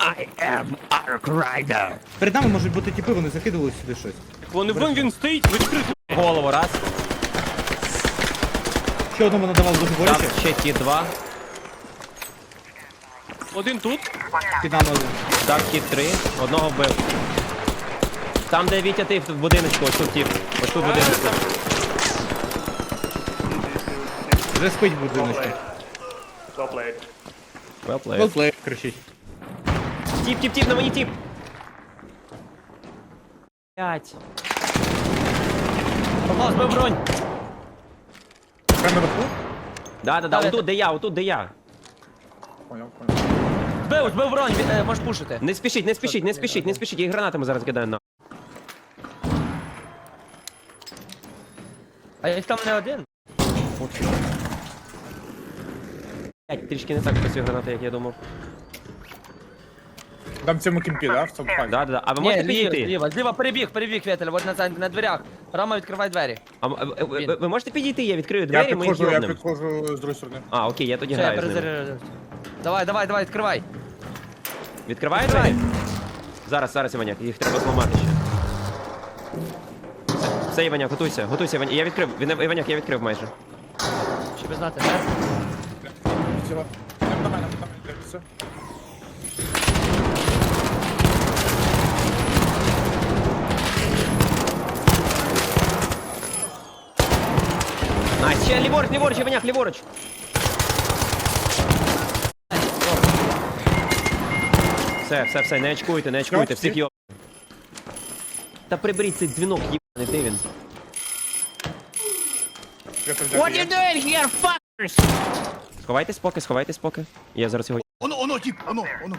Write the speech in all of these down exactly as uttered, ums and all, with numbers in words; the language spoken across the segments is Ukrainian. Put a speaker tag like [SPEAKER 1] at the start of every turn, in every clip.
[SPEAKER 1] I am Ark Rider.
[SPEAKER 2] Перед нами можуть бути тіпи, вони закидували сюди щось.
[SPEAKER 3] Вони вон він стоїть, відкрито.
[SPEAKER 4] Голову раз.
[SPEAKER 2] Ще одному надавав дуже
[SPEAKER 4] Там
[SPEAKER 2] боляче.
[SPEAKER 4] ще ті два.
[SPEAKER 3] Один тут.
[SPEAKER 2] Під нами один.
[SPEAKER 4] Дав кіт три. Одного вбив. Там, де Вітя ти в будиночку, ось тут тип. Ось тут будиночку.
[SPEAKER 2] Вже спить будиночку.
[SPEAKER 5] Well played.
[SPEAKER 4] Well played.
[SPEAKER 2] Велплей кричить.
[SPEAKER 4] Тіп, тіп, тіп, на мені тіп. П'ять. Павло, збив бронь.
[SPEAKER 2] Прямо наверху?
[SPEAKER 4] Да, да, да, отут, де я, отут, де я.
[SPEAKER 6] Збив, збив бронь, він, е, можеш пушити.
[SPEAKER 4] Не спішіть, не спішіть, не спішіть, не спішіть. Я їх гранатами зараз кидаю на.
[SPEAKER 6] А їх там не один.
[SPEAKER 4] П'ять, трішки не так працює граната, як я думав.
[SPEAKER 7] Там в цьому кімпі, да? В цьому
[SPEAKER 4] Да,
[SPEAKER 7] хаті?
[SPEAKER 4] да, да. А ви
[SPEAKER 6] Ні,
[SPEAKER 4] можете
[SPEAKER 6] зліва,
[SPEAKER 4] підійти?
[SPEAKER 6] зліва, зліва перебіг, перебіг, Вєтель, от на, на дверях. Рама, відкривай двері.
[SPEAKER 4] А, м- ви, ви, ви можете підійти? Я відкрию
[SPEAKER 7] Я
[SPEAKER 4] двері, ми їх
[SPEAKER 7] підходжу, я
[SPEAKER 4] йобнемо.
[SPEAKER 7] підходжу з другої сторони.
[SPEAKER 4] А, окей, я тоді
[SPEAKER 6] Все, я
[SPEAKER 4] граю з ними.
[SPEAKER 6] перезаряджаю. Давай, давай, давай, відкривай.
[SPEAKER 4] Відкриваю
[SPEAKER 6] Відкривай.
[SPEAKER 4] двері? Зараз, зараз, Іваняк, їх треба зламати ще. Все, все, Іваняк, готуйся, готуйся, Іваняк. Я відкрив, Він- Іваняк, я відкрив майже.
[SPEAKER 6] Щоб ви знати, де?
[SPEAKER 7] Сіла. На мене, на мене, все.
[SPEAKER 4] Найс, ще ліворуч, ліворуч, Іваняк, ліворуч. Все, все, все, не очкуйте, не очкуйте, всіх йоб. Та приберіть цей дзвінок, їбаний, де він?
[SPEAKER 7] Я тут взяти є.
[SPEAKER 1] doing here, fuckers?
[SPEAKER 4] Сховайтесь поки, сховайтесь поки. Я зараз його...
[SPEAKER 1] Оно, оно, тип, оно, оно.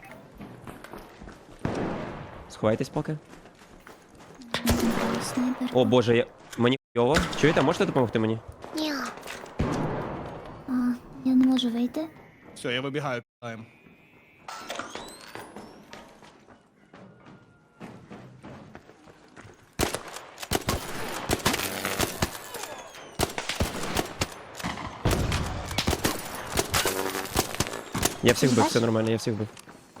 [SPEAKER 4] Сховайтесь поки.
[SPEAKER 8] Снайпер.
[SPEAKER 4] О боже, я... Мені йово. Чуєте, можете допомогти мені?
[SPEAKER 8] Ні. А, я не можу вийти.
[SPEAKER 1] Все, я вибігаю, питаємо.
[SPEAKER 4] Я всіх вбив, все нормально, я всіх вбив.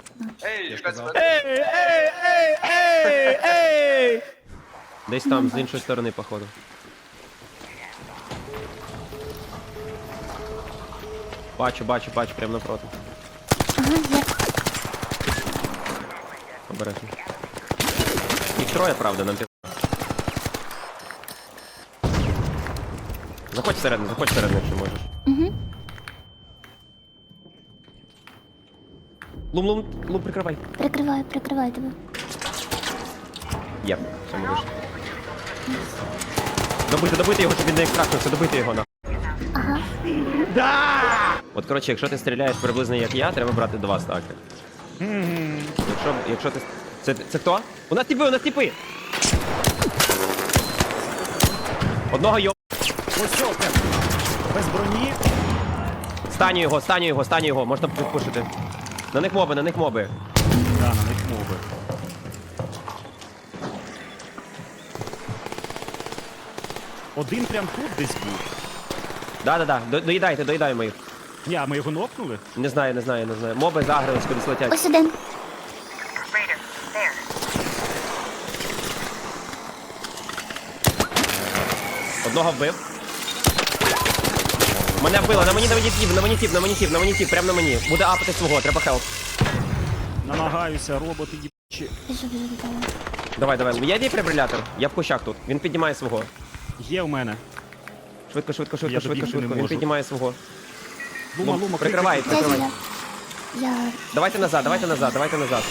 [SPEAKER 4] Десь там, з іншої сторони, походу. Бачу, бачу, бачу, прямо напроти.
[SPEAKER 8] Ага, є.
[SPEAKER 4] Обережно. Їх троє, правда, нам пі... Заходь всередину, заходь всередину, якщо можеш.
[SPEAKER 8] Угу.
[SPEAKER 4] Лум, лум, лум, прикривай.
[SPEAKER 8] Прикриваю, прикриваю тебе.
[SPEAKER 4] Є, все, ми вийшли. Добити, добити його, щоб він не екстрактився, добити його на.
[SPEAKER 8] Ага.
[SPEAKER 4] От, коротше, якщо ти стріляєш приблизно як я, треба брати два стаки. Якщо, якщо ти... Це, це хто? У нас тіпи, у нас тіпи! Одного йо...
[SPEAKER 3] Ось що, прям. Без броні.
[SPEAKER 4] Станю його, станю його, станю його, можна підпушити. На них моби, на них моби.
[SPEAKER 3] Да, на них мови. Один прям тут десь був.
[SPEAKER 4] Да-да-да, до- доїдайте, доїдаємо їх.
[SPEAKER 3] Ні, а ми його нокнули?
[SPEAKER 4] Не знаю, не знаю, не знаю. Моби загрились, кудись летять.
[SPEAKER 8] Ось один.
[SPEAKER 4] Одного вбив. Мене вбило, на мені, на мені тіп, на мені тіп, на мені тіп, на мені тіп, прямо на мені. Буде апати свого, треба хелп.
[SPEAKER 3] Намагаюся, роботи їбчі.
[SPEAKER 8] Біжу, біжу до тебе.
[SPEAKER 4] Давай, давай. Є дефібрилятор? Я в кущах тут. Він піднімає свого.
[SPEAKER 3] Є в мене.
[SPEAKER 4] Швидко, швидко, швидко,
[SPEAKER 3] Я
[SPEAKER 4] швидко,
[SPEAKER 3] добігти не
[SPEAKER 4] швидко. Він
[SPEAKER 3] можу.
[SPEAKER 4] піднімає свого.
[SPEAKER 3] Лума,
[SPEAKER 4] Лум,
[SPEAKER 3] лума,
[SPEAKER 4] прикривай,
[SPEAKER 8] Я
[SPEAKER 4] прикривай.
[SPEAKER 8] зіля. Я...
[SPEAKER 4] Давайте назад, давайте назад, давайте назад.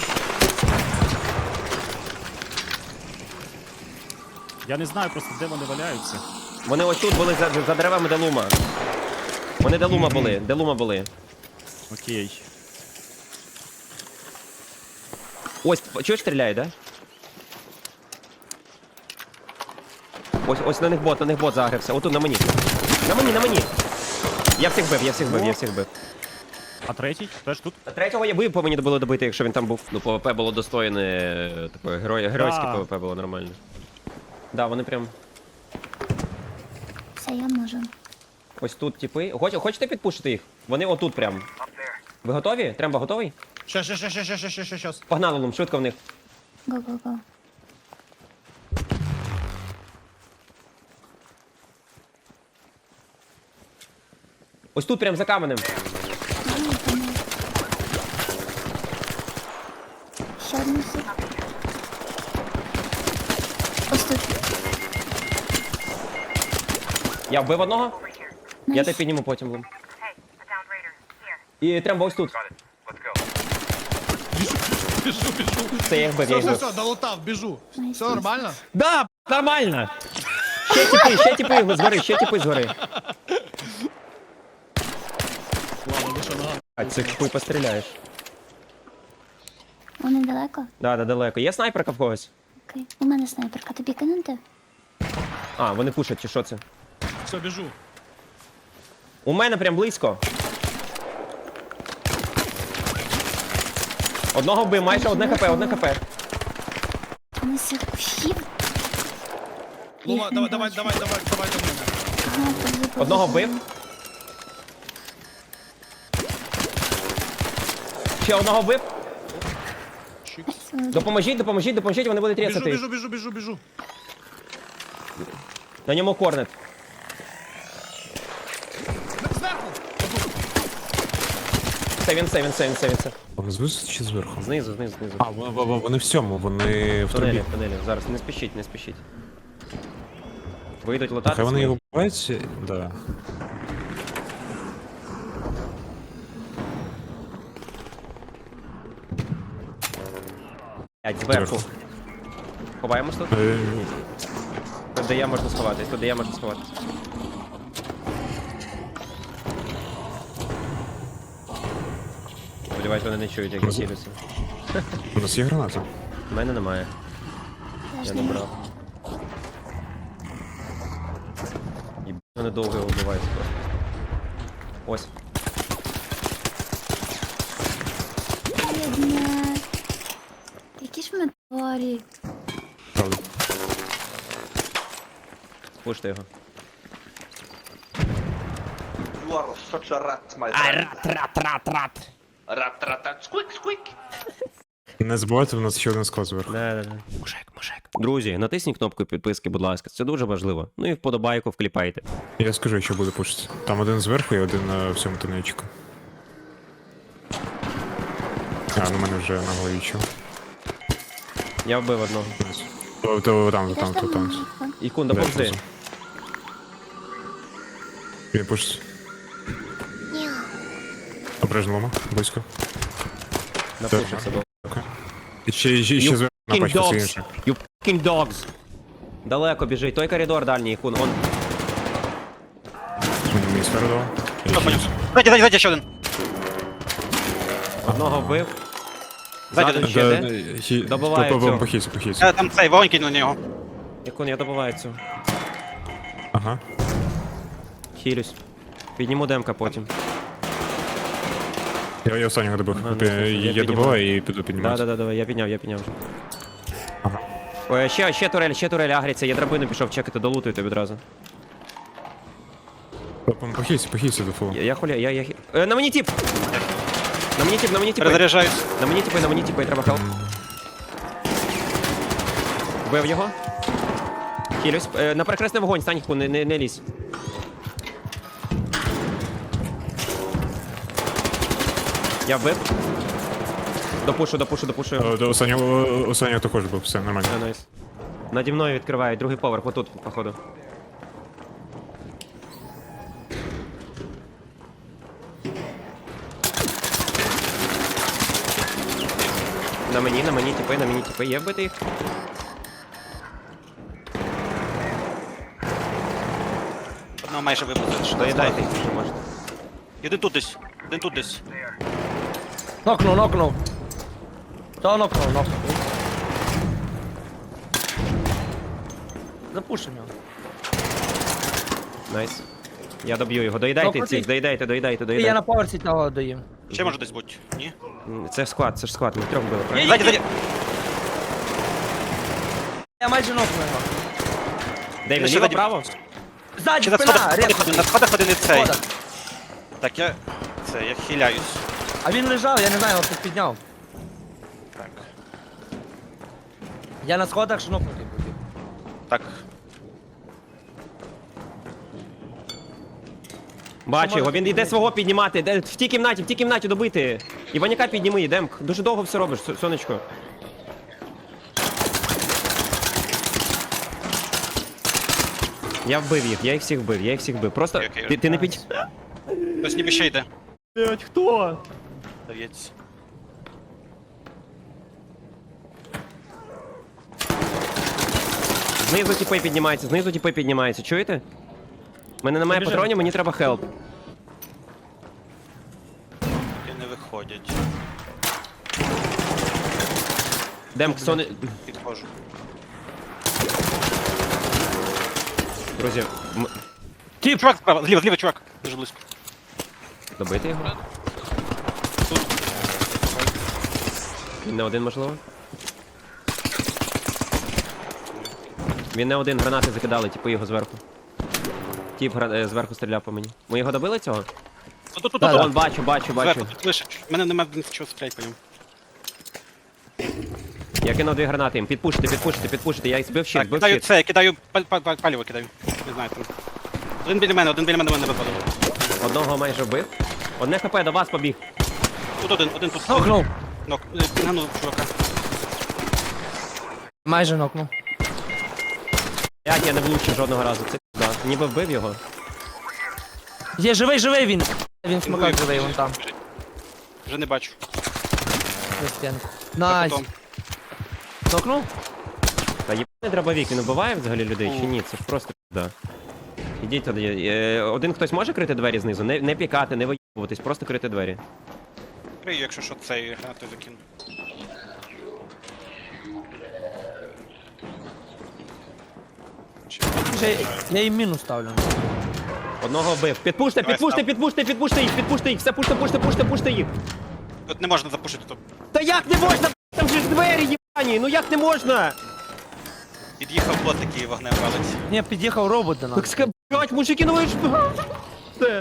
[SPEAKER 3] Я не знаю просто, де вони валяються.
[SPEAKER 4] Вони ось тут були за, за деревами, де лума. Вони де лума були, де лума були.
[SPEAKER 3] Окей.
[SPEAKER 4] Ось, чуєш, стріляє, да? Ось, ось на них бот, на них бот загрився. Отут на мені. На мені, на мені. Я всіх бив, я всіх бив, я всіх бив.
[SPEAKER 3] А третій? Теж тут?
[SPEAKER 4] Третього я ви по мені було добити, якщо він там був. Ну, ПВП було достойне, е, такое герой, геройське
[SPEAKER 3] Да.
[SPEAKER 4] ПВП було нормально. Да, вони прям.
[SPEAKER 8] Все, я можу.
[SPEAKER 4] Ось тут типи. Хоч, хочете підпушити їх? Вони отут прям. Ви готові? Тремба готовий?
[SPEAKER 1] Щас, щас, щас, щас, щас, щас, щас, щас.
[SPEAKER 4] Погнали, Лум, швидко в них.
[SPEAKER 8] Го-го-го.
[SPEAKER 4] Ось тут, прям за каменем.
[SPEAKER 8] Ще одну сік. Ось тут.
[SPEAKER 4] Я вбив одного, я
[SPEAKER 8] Найс.
[SPEAKER 4] тебе підніму потім, Лум. І треба ось тут.
[SPEAKER 1] Біжу, біжу.
[SPEAKER 4] Це я їх бив, я
[SPEAKER 1] Все,
[SPEAKER 4] їх
[SPEAKER 1] все,
[SPEAKER 4] бив.
[SPEAKER 1] все, долутав, біжу.
[SPEAKER 8] Найс,
[SPEAKER 1] Все
[SPEAKER 8] найс.
[SPEAKER 1] нормально?
[SPEAKER 4] Да, нормально. Ще тіпи, ще тіпи згори, ще тіпи згори.
[SPEAKER 1] Ладно, ви що, нога?
[SPEAKER 4] А це хуй постріляєш.
[SPEAKER 8] Вони далеко?
[SPEAKER 4] Да, да, далеко. Є снайперка в когось?
[SPEAKER 8] Окей. У мене снайперка. Тобі кинути?
[SPEAKER 4] А, вони пушать, чи що це?
[SPEAKER 1] Все, біжу.
[SPEAKER 4] У мене прям близько. Одного вбив, майже одне хп, одне хп.
[SPEAKER 8] Вони з кущів?
[SPEAKER 1] Лума,
[SPEAKER 8] Їх
[SPEAKER 1] давай,
[SPEAKER 8] не
[SPEAKER 1] давай,
[SPEAKER 8] бачу.
[SPEAKER 1] давай, давай, давай до мене.
[SPEAKER 8] Ага, побіг, побіг.
[SPEAKER 4] Одного вбив. Ще одного вбив.
[SPEAKER 8] Найс.
[SPEAKER 4] Допоможіть, допоможіть, допоможіть, вони будуть
[SPEAKER 1] Біжу,
[SPEAKER 4] різати.
[SPEAKER 1] біжу, біжу, біжу, біжу.
[SPEAKER 4] На ньому корнет.
[SPEAKER 1] Зверху!
[SPEAKER 4] Це він, це він, це він, це він, це.
[SPEAKER 2] Знизу чи зверху?
[SPEAKER 4] Знизу, знизу, знизу.
[SPEAKER 2] А, вони, вони- вони в цьому, вони в
[SPEAKER 4] В тунелі,
[SPEAKER 2] трубі.
[SPEAKER 4] в тунелі. Зараз не спішіть, не спішіть. Вийдуть лутати.
[SPEAKER 2] Хай вони
[SPEAKER 4] свої.
[SPEAKER 2] його бувають, да.
[SPEAKER 4] Блядь, зверху.
[SPEAKER 2] Зверху.
[SPEAKER 4] Ховаємось тут.
[SPEAKER 2] Е,
[SPEAKER 4] Тут де я можна сховатись, тут де я можна сховатись. Сподіваюсь, вони не чують, як я
[SPEAKER 2] Розум-
[SPEAKER 4] цілюся.
[SPEAKER 2] У нас є граната.
[SPEAKER 4] У мене немає.
[SPEAKER 8] Я
[SPEAKER 4] Я
[SPEAKER 8] ж
[SPEAKER 4] не
[SPEAKER 8] не
[SPEAKER 4] брав. І вони довго його вбивають просто. Ось.
[SPEAKER 8] бідне. Які ж ми тварі.
[SPEAKER 2] Правда.
[SPEAKER 4] Спуште його.
[SPEAKER 5] You are such a rat, my friend.
[SPEAKER 1] Рат, рат, рат, рат.
[SPEAKER 5] Rat, rat, rat. Squeak, squeak.
[SPEAKER 2] Не забувайте, у нас ще один склад зверху.
[SPEAKER 4] Да, да, да. Мужик, мужик. Друзі, натисніть кнопку підписки, будь ласка. Це дуже важливо. Ну і вподобайку вкліпайте.
[SPEAKER 2] Я скажу, що буде пушити. Там один зверху і один на всьому тунельчику. А, ну мене вже на голові чого.
[SPEAKER 4] Я вбив одного.
[SPEAKER 2] То, то, там,
[SPEAKER 8] Я
[SPEAKER 2] там,
[SPEAKER 8] ж
[SPEAKER 2] то,
[SPEAKER 8] там
[SPEAKER 2] там.
[SPEAKER 8] їхав.
[SPEAKER 4] Ікун, допомзи.
[SPEAKER 2] Він пушить. Обережно лома, близько.
[SPEAKER 4] Напушився. бо-
[SPEAKER 2] Окей. І ще, ще, ще
[SPEAKER 4] You
[SPEAKER 2] зверху
[SPEAKER 4] fucking
[SPEAKER 2] напачка це
[SPEAKER 4] dogs.
[SPEAKER 2] інше.
[SPEAKER 4] You fucking dogs. Далеко біжить. Той коридор дальній, Ікун. Он.
[SPEAKER 2] Мені мені сферу дав. І ще
[SPEAKER 9] Ззаді, ззаді, ззаді ще один.
[SPEAKER 4] Одного вбив.
[SPEAKER 9] Ззаді,
[SPEAKER 4] Ззаду
[SPEAKER 9] ззаді.
[SPEAKER 4] ще
[SPEAKER 2] Да,
[SPEAKER 4] де?
[SPEAKER 2] да, хі-
[SPEAKER 4] Добиває
[SPEAKER 2] по- по-
[SPEAKER 4] цього.
[SPEAKER 2] Похилься, похилься.
[SPEAKER 9] Е, Там цей вогонь кинув на нього.
[SPEAKER 4] Ікун, я добиваю цю.
[SPEAKER 2] Ага.
[SPEAKER 4] Хілюсь. Підніму демка потім.
[SPEAKER 2] Я, я останнього добив.
[SPEAKER 4] Ага,
[SPEAKER 2] Я,
[SPEAKER 4] ну, я
[SPEAKER 2] я,
[SPEAKER 4] піднімаю.
[SPEAKER 2] добиваю і піду
[SPEAKER 4] Да,
[SPEAKER 2] піднімати.
[SPEAKER 4] да, да, давай, я підняв, я підняв вже.
[SPEAKER 2] Ага.
[SPEAKER 4] Ой, ще, ще турель, ще турель агриться, я драбину пішов чекати, долутуйте відразу.
[SPEAKER 2] Похилься, похилься до фулу.
[SPEAKER 4] Я, я хуля, я, я... хі- Е, на мені тип! На мені тип, на мені типи.
[SPEAKER 9] Перезаряджаюсь.
[SPEAKER 4] На мені типи, на мені типи, треба хелп. Вбив його. Хілюсь. Е, на перекресний вогонь, стань, Ікун, не, не, не лізь. Я вбив. Допушу, допушу, допушу.
[SPEAKER 2] О, до останнього, останнього також був, все нормально.
[SPEAKER 4] Е, найс. Наді мною відкривають, другий поверх, отут, походу. На мені, на мені типи, на мені типи. Є вбити їх?
[SPEAKER 9] Одного майже вибили.
[SPEAKER 4] Доїдайте їх, якщо можете.
[SPEAKER 9] Один тут десь. Один тут десь.
[SPEAKER 6] Нокнув, нокнув. Того нокнув, нокнув. Запушимо його.
[SPEAKER 4] Найс. Я доб'ю його. Доїдайте
[SPEAKER 6] Добре,
[SPEAKER 4] цих,
[SPEAKER 6] ти-
[SPEAKER 4] доїдайте, доїдайте,
[SPEAKER 6] І я
[SPEAKER 4] доїдайте.
[SPEAKER 6] на поверсі того доїм.
[SPEAKER 9] Ще може десь бути. Ні?
[SPEAKER 4] М, Це ж склад, це ж склад, ми трьох били, правильно?
[SPEAKER 9] Ззаді, ззаді.
[SPEAKER 6] Я майже нокнув його.
[SPEAKER 4] Де він,
[SPEAKER 9] Ще
[SPEAKER 4] ліво,
[SPEAKER 9] ззаді.
[SPEAKER 4] право?
[SPEAKER 6] Ззаді,
[SPEAKER 9] Чи на
[SPEAKER 6] спина,
[SPEAKER 9] сходах
[SPEAKER 6] рез.
[SPEAKER 9] один, на сходах один і цей.
[SPEAKER 6] Сходах.
[SPEAKER 9] Так, я... Це, я хиляюсь.
[SPEAKER 6] А він лежав, я не знаю, його хтось підняв.
[SPEAKER 9] Так.
[SPEAKER 6] Я на сходах шнопнутий був.
[SPEAKER 9] Так.
[SPEAKER 4] Бачу його, він йде свого піднімати. Де- В тій кімнаті, в тій кімнаті добити. Іваняка підніми, йдем. Дуже довго все робиш, Со- сонечко. Я вбив їх, я їх всіх вбив, я їх всіх вбив. Просто
[SPEAKER 9] Окей, окей.
[SPEAKER 4] ти, ти не під...
[SPEAKER 9] Хтось ніби ще йде.
[SPEAKER 3] Блять, хто?
[SPEAKER 9] Здається.
[SPEAKER 4] Знизу тіпи піднімаються, знизу тіпи піднімаються, чуєте? У мене немає
[SPEAKER 3] Побіжимо.
[SPEAKER 4] патронів, мені треба хелп.
[SPEAKER 9] І не виходять.
[SPEAKER 4] Демк, соне...
[SPEAKER 9] Підходжу.
[SPEAKER 4] Друзі, м...
[SPEAKER 9] Тіп! Чувак справа, зліва, зліва, чувак. Дуже близько.
[SPEAKER 4] добити його. Він не один, можливо. Він не один, гранати закидали, типу його зверху. Тіп гра... е, зверху стріляв по мені. Ми його добили цього?
[SPEAKER 9] Тут, тут, тут,
[SPEAKER 6] Да,
[SPEAKER 9] тут.
[SPEAKER 4] Вон, бачу, бачу, бачу.
[SPEAKER 9] Зверху, тут лише. В мене немає нічого стріляти по ньому.
[SPEAKER 4] Я кинув дві гранати їм. Підпушити, підпушити, підпушити. Я їх збив щит,
[SPEAKER 9] Так,
[SPEAKER 4] збив
[SPEAKER 9] кидаю
[SPEAKER 4] щит.
[SPEAKER 9] це, я кидаю паль, паль, паль, паліво кидаю. Не знаю там. Один біля мене, один біля мене мене випадав.
[SPEAKER 4] Одного майже вбив. Одне хп до вас побіг.
[SPEAKER 9] Тут один, один тут.
[SPEAKER 6] Нокнув.
[SPEAKER 9] Нок. Е, Пінганув чувака.
[SPEAKER 6] Майже нокнув.
[SPEAKER 4] Як я не влучив жодного разу. Це да. Ніби вбив його.
[SPEAKER 6] Є живий, живий він. Він
[SPEAKER 9] Він
[SPEAKER 6] смакак
[SPEAKER 9] вбив.
[SPEAKER 6] живий, вон там.
[SPEAKER 9] Вже не бачу.
[SPEAKER 6] За стінку. Найс.
[SPEAKER 9] Потом.
[SPEAKER 6] Нокнув?
[SPEAKER 4] Та єбаний дробовик, він вбиває взагалі людей чи ні? Це ж просто да. Ідіть туди. Е, Один хтось може крити двері знизу? Не, не пікати, не виїбуватись, просто крити двері.
[SPEAKER 9] Крию, якщо що, цей гранату закину.
[SPEAKER 6] Вже я їм мінус ставлю.
[SPEAKER 4] Одного вбив. Підпуште,
[SPEAKER 9] Давай,
[SPEAKER 4] підпуште,
[SPEAKER 9] став.
[SPEAKER 4] підпуште, підпуште їх, підпуште їх, все пуште, пуште, пуште, пуште їх.
[SPEAKER 9] Тут не можна запушити, то
[SPEAKER 4] Та як не можна? Там же ж двері єбані, ну як не можна?
[SPEAKER 9] під'їхав бот такий вогнем валить.
[SPEAKER 6] Ні, під'їхав робот до нас.
[SPEAKER 4] Так ска, блять, мужики, ну ви ж... Все.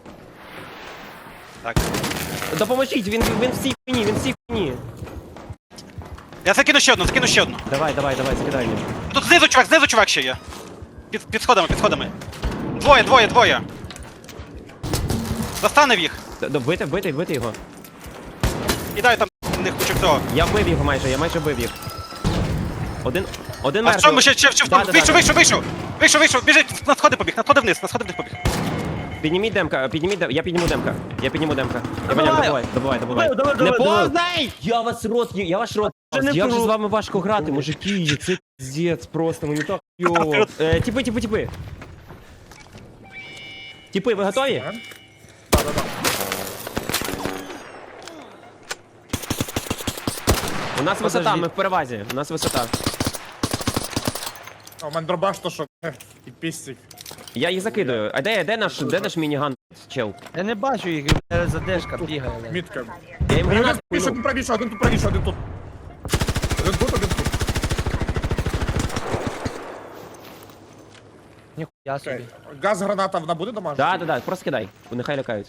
[SPEAKER 9] Так.
[SPEAKER 4] Допоможіть, він, він всій хуйні, він всій хуйні.
[SPEAKER 9] Я закину ще одну, закину ще одну.
[SPEAKER 4] Давай, давай, давай, закидай мені.
[SPEAKER 9] Тут знизу чувак, знизу чувак ще є. Під, під сходами, під сходами. Двоє, двоє, двоє. Застанив їх.
[SPEAKER 4] Д- д- Бити, бити, бити його.
[SPEAKER 9] Кидаю там в них кучу всього.
[SPEAKER 4] Я вбив його майже, я майже вбив їх. Один, один
[SPEAKER 9] А в
[SPEAKER 4] мертвий.
[SPEAKER 9] цьому ще, ще, ще в
[SPEAKER 4] Да,
[SPEAKER 9] тому.
[SPEAKER 4] да,
[SPEAKER 9] Вийшов,
[SPEAKER 4] да.
[SPEAKER 9] вийшов, вийшов. Вийшов, вийшов, біжить, на сходи побіг, на сходи вниз, на сходи вниз побіг.
[SPEAKER 4] Підніміть демка, підніміть демка, я підніму демка. Я підніму демка. Я
[SPEAKER 6] Добиваю.
[SPEAKER 4] поняв, добивай, добивай, добивай.
[SPEAKER 6] Давай,
[SPEAKER 4] Не
[SPEAKER 6] давай, давай.
[SPEAKER 4] поздай! Я вас рот, є- я ваш рот.
[SPEAKER 6] Це не
[SPEAKER 4] Як же
[SPEAKER 6] тру.
[SPEAKER 4] з вами важко грати, мужики, це піздець просто, мені так йо. Е, Тіпи, тіпи, тіпи. Тіпи, ви готові? У нас висота,
[SPEAKER 6] Подожди.
[SPEAKER 4] ми в перевазі. У нас висота.
[SPEAKER 7] А у мене дробаш, то що, ех, і пістик.
[SPEAKER 4] Я їх закидаю. А де, де наш, де наш мініган, чел?
[SPEAKER 6] Я не бачу їх, задержка бігає. блядь.
[SPEAKER 7] Мітка.
[SPEAKER 4] Я їм
[SPEAKER 7] Один
[SPEAKER 4] гранат
[SPEAKER 7] правіше,
[SPEAKER 4] кину.
[SPEAKER 7] один правіше, один тут правіше, один тут. Один тут, один тут.
[SPEAKER 6] Ніхуя собі.
[SPEAKER 7] Окей. Газ граната вона буде домашня?
[SPEAKER 4] Да, да, да, просто кидай. Нехай лякають.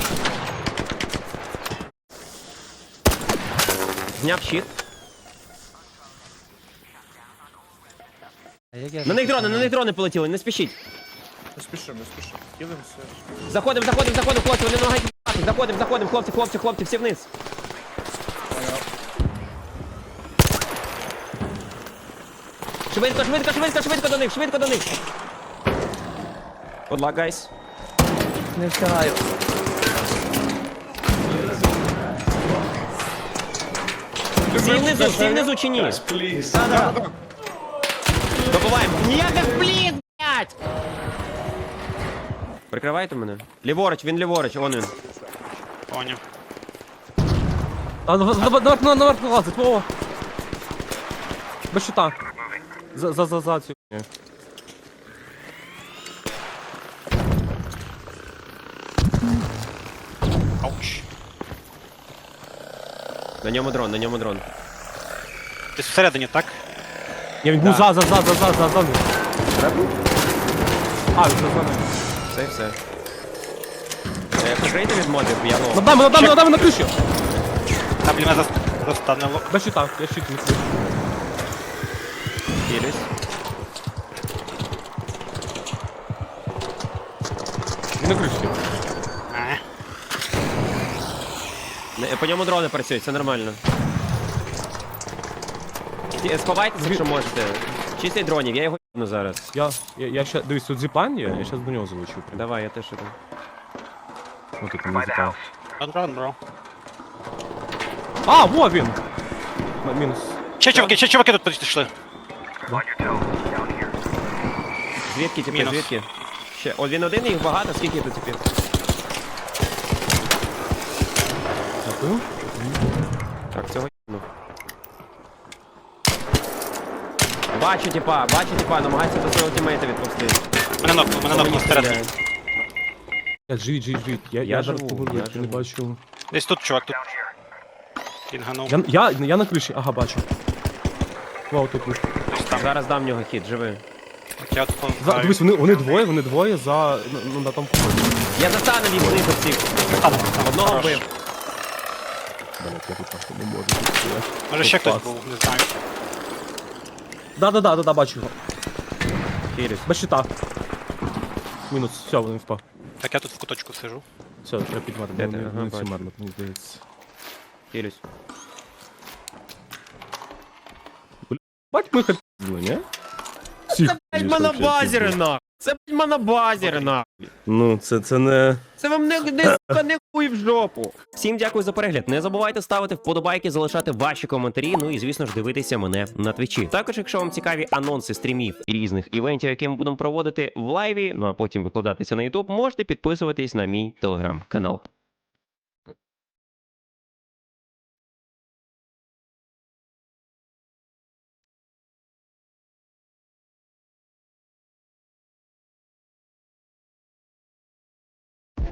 [SPEAKER 4] Зняв щит.
[SPEAKER 6] А як я
[SPEAKER 4] На них дрони, на них дрони полетіли, не спішіть.
[SPEAKER 7] Не спішимо, не спішимо. Кидемося.
[SPEAKER 4] Заходимо, заходимо, заходимо, хлопці, вони намагаються вбивати. Заходимо, заходимо, хлопці, хлопці, хлопці, всі вниз. Швидко, швидко, швидко, швидко до них, швидко до них. Good luck, guys.
[SPEAKER 6] не встигаю.
[SPEAKER 4] Всі внизу, всі внизу чи ні? Добуваємо. Ніяких пліт, блядь! Прикривайте мене. Ліворуч, він ліворуч, вон він.
[SPEAKER 9] Поняв.
[SPEAKER 6] А, наверх, наверх, наверх лазить, Вова. Без щита. За, за, за, за цю.
[SPEAKER 9] Ауч.
[SPEAKER 4] На ньому дрон, на ньому дрон.
[SPEAKER 9] Десь всередині, так?
[SPEAKER 6] Я він був за, за, за, за, за, за, за. А, він за, за.
[SPEAKER 4] Все, все. Е, Прикрийте від мобів, я лов.
[SPEAKER 6] Над нами, над нами, над нами на криші.
[SPEAKER 9] Там блін, мене зас- застанило.
[SPEAKER 6] Без щита, я щит не крию.
[SPEAKER 4] Хілюсь.
[SPEAKER 6] Він на криші.
[SPEAKER 9] Е.
[SPEAKER 4] Не, По ньому дрони працюють, це нормально. Ті- Сховайтеся, якщо можете. Чистий дронів, я його їбну зараз.
[SPEAKER 6] Я, я, я ще, дивись, тут зіплайн є, я щас до нього залечу. прям.
[SPEAKER 4] Давай, я теж іду.
[SPEAKER 6] Ну тут не зіплайн.
[SPEAKER 9] Ран, ран, бро.
[SPEAKER 6] А, во він! М- Мінус.
[SPEAKER 9] Ще чуваки, ще чуваки тут підійшли.
[SPEAKER 4] Звідки тепер,
[SPEAKER 9] Мінус.
[SPEAKER 4] звідки? Ще, о, він один, їх багато, скільки тут тепер?
[SPEAKER 6] Дякую.
[SPEAKER 4] Так, цього їбну. Бачу, типа, бачу, типа, намагається до свого тімейта відпустити.
[SPEAKER 9] Мене нокнув, мене нокнув спереду.
[SPEAKER 6] Я живіть, живіть, живіть. Я,
[SPEAKER 4] Я
[SPEAKER 6] я, зараз
[SPEAKER 4] живу,
[SPEAKER 6] поверну,
[SPEAKER 4] я
[SPEAKER 6] я не
[SPEAKER 4] живу.
[SPEAKER 6] бачу.
[SPEAKER 9] Десь тут чувак, тут. Кінганув.
[SPEAKER 6] Я, я, я на криші, ага, бачу. Вау, тут. тут.
[SPEAKER 9] Десь там.
[SPEAKER 4] Зараз дам в нього хід, живи.
[SPEAKER 9] Я тут
[SPEAKER 6] За,
[SPEAKER 9] помагаю.
[SPEAKER 6] дивись, вони, вони двоє, вони двоє за, ну, на тому поході.
[SPEAKER 4] Я застану від них всіх.
[SPEAKER 9] Там, там,
[SPEAKER 4] Одного
[SPEAKER 9] хорош.
[SPEAKER 4] вбив.
[SPEAKER 6] Блять, я тут нахуй не можу.
[SPEAKER 9] Може ще хтось
[SPEAKER 6] Клас.
[SPEAKER 9] був, не знаю.
[SPEAKER 6] Да-да-да, да, бачу його.
[SPEAKER 4] Хілюсь.
[SPEAKER 6] Без щита. Мінус, все, він впав.
[SPEAKER 9] Так я тут в куточку сижу.
[SPEAKER 6] Все, треба підмати,
[SPEAKER 4] Де
[SPEAKER 6] вони,
[SPEAKER 4] ти? Ага,
[SPEAKER 6] вони всі
[SPEAKER 4] бачу.
[SPEAKER 6] марно, мені здається.
[SPEAKER 4] Хілюсь.
[SPEAKER 6] Бать, ми хотіли, ні? Всіх, звісно, вообще всіх.
[SPEAKER 4] нахуй. Це блядь, монобазери нахуй.
[SPEAKER 6] Ну, це, це не...
[SPEAKER 4] Це вам не, не, сука, не хуй в жопу. Всім дякую за перегляд. Не забувайте ставити вподобайки, залишати ваші коментарі. Ну і звісно ж дивитися мене на твічі. Також, якщо вам цікаві анонси стрімів і різних івентів, які ми будемо проводити в лайві, ну а потім викладатися на ютуб, можете підписуватись на мій телеграм-канал.